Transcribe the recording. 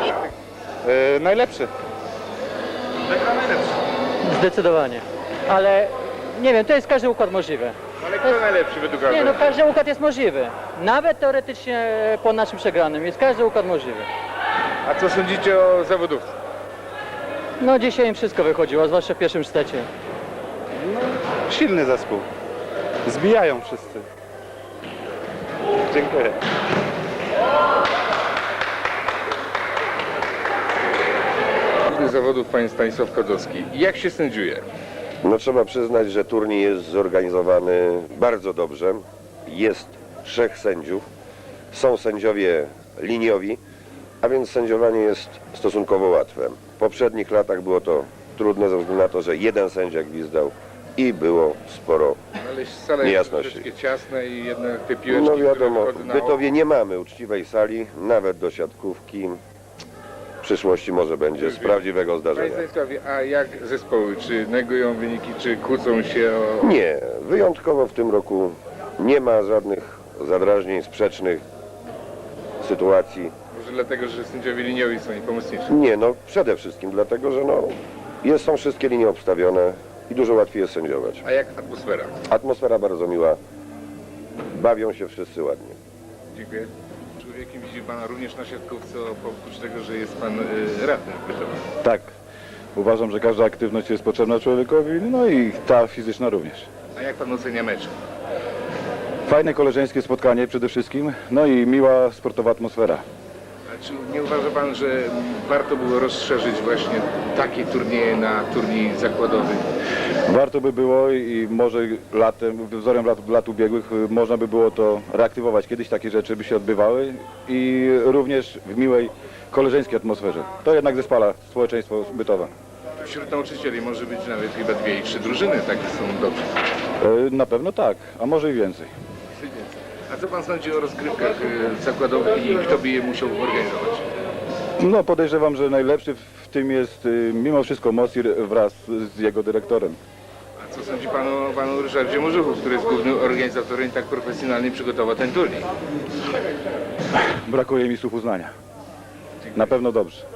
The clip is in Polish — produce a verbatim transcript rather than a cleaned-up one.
E, najlepszy. Wygra najlepszy. Zdecydowanie. Ale nie wiem, to jest każdy układ możliwy. Ale kto najlepszy według Nie, no Alberta? każdy układ jest możliwy. Nawet teoretycznie po naszym przegranym jest każdy układ możliwy. A co sądzicie o zawodówce? No dzisiaj im wszystko wychodziło, zwłaszcza w pierwszym sztecie. Silny zespół. Zbijają wszyscy. Dziękuję. Główny zawodów pan Stanisław Kodzowski. Jak się sędziuje? No trzeba przyznać, że turniej jest zorganizowany bardzo dobrze. Jest trzech sędziów. Są sędziowie liniowi, a więc sędziowanie jest stosunkowo łatwe. W poprzednich latach było to trudne ze względu na to, że jeden sędzia gwizdał i było sporo. Ale sala jest Niejasności. troszeczkę ciasna i jednak te piłeczki, No wiadomo, które w wchodzą na Bytowie nie mamy uczciwej sali, nawet do siatkówki. W przyszłości może będzie z prawdziwego Panie zdarzenia. Stanisławie, a jak zespoły? Czy negują wyniki, czy kłócą się o... Nie, wyjątkowo w tym roku nie ma żadnych zadrażnień, sprzecznych sytuacji. Może dlatego, że sędziowie liniowi są i pomocniczy? Nie, no przede wszystkim dlatego, że no, jest, są wszystkie linie obstawione i dużo łatwiej jest sędziować. A jak atmosfera? Atmosfera bardzo miła, bawią się wszyscy ładnie. Dziękuję. Człowiekiem widzi pana również na siatkówce, oprócz tego, że jest pan y, radnym w Bytowie. Tak. Uważam, że każda aktywność jest potrzebna człowiekowi, no i ta fizyczna również. A jak pan ocenia mecz? Fajne koleżeńskie spotkanie przede wszystkim, no i miła sportowa atmosfera. A czy nie uważa pan, że warto było rozszerzyć właśnie takie turnieje na turniej zakładowy? Warto by było i może latem, wzorem lat, lat ubiegłych y, można by było to reaktywować. Kiedyś takie rzeczy by się odbywały i również w miłej koleżeńskiej atmosferze. To jednak zespala społeczeństwo Bytowa. Wśród nauczycieli może być nawet chyba dwie i trzy drużyny, takie są dobrze. Y, Na pewno tak, a może i więcej. A co pan sądzi o rozgrywkach y, zakładowych i kto by je musiał organizować? No podejrzewam, że najlepszy w tym jest y, mimo wszystko Mosir wraz z jego dyrektorem. A co sądzi pan o panu Ryszardzie Morzuchu, który jest głównym organizatorem i tak profesjonalnie przygotował ten turniej? Brakuje mi słów uznania. Na pewno dobrze.